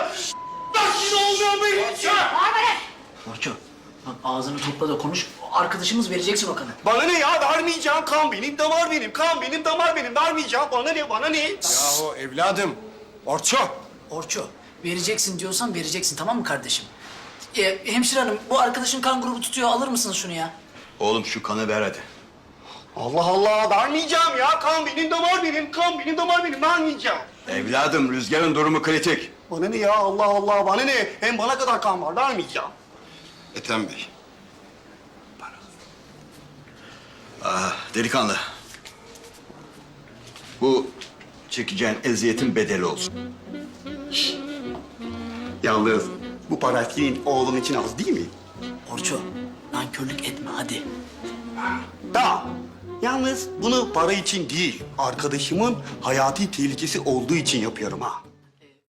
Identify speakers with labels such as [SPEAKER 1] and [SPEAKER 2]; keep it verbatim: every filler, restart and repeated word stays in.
[SPEAKER 1] Nasıl olmuyor benim için?
[SPEAKER 2] Orço, bak ağzını topla da konuş. Arkadaşımız vereceksin o kanı.
[SPEAKER 1] Bana ne ya? Vermeyeceğim. Kan benim, damar benim. Kan benim, damar benim. Vermeyeceğim. Bana ne? Bana ne?
[SPEAKER 3] Yahu evladım, Orço.
[SPEAKER 2] Orço, vereceksin diyorsan vereceksin, tamam mı kardeşim? Ee, hemşire hanım, bu arkadaşın kan grubu tutuyor. Alır mısınız şunu ya?
[SPEAKER 4] Oğlum şu kanı ver hadi.
[SPEAKER 1] Allah Allah. Vermeyeceğim ya. Kan benim, damar benim. Kan benim, damar benim. Vermeyeceğim.
[SPEAKER 4] Evladım Rüzgar'ın durumu kritik.
[SPEAKER 1] Bana ne ya? Allah Allah. Bana ne? Hem bana kadar kan var. Vermeyeceğim.
[SPEAKER 4] Ethem Bey. Ah, delikanlı. Bu çekeceğin eziyetin bedeli olsun.
[SPEAKER 1] Yalnız bu para senin oğlun için az değil mi?
[SPEAKER 2] Orço, nankörlük etme hadi.
[SPEAKER 1] Tamam. Yalnız bunu para için değil, arkadaşımın hayati tehlikesi olduğu için yapıyorum ha.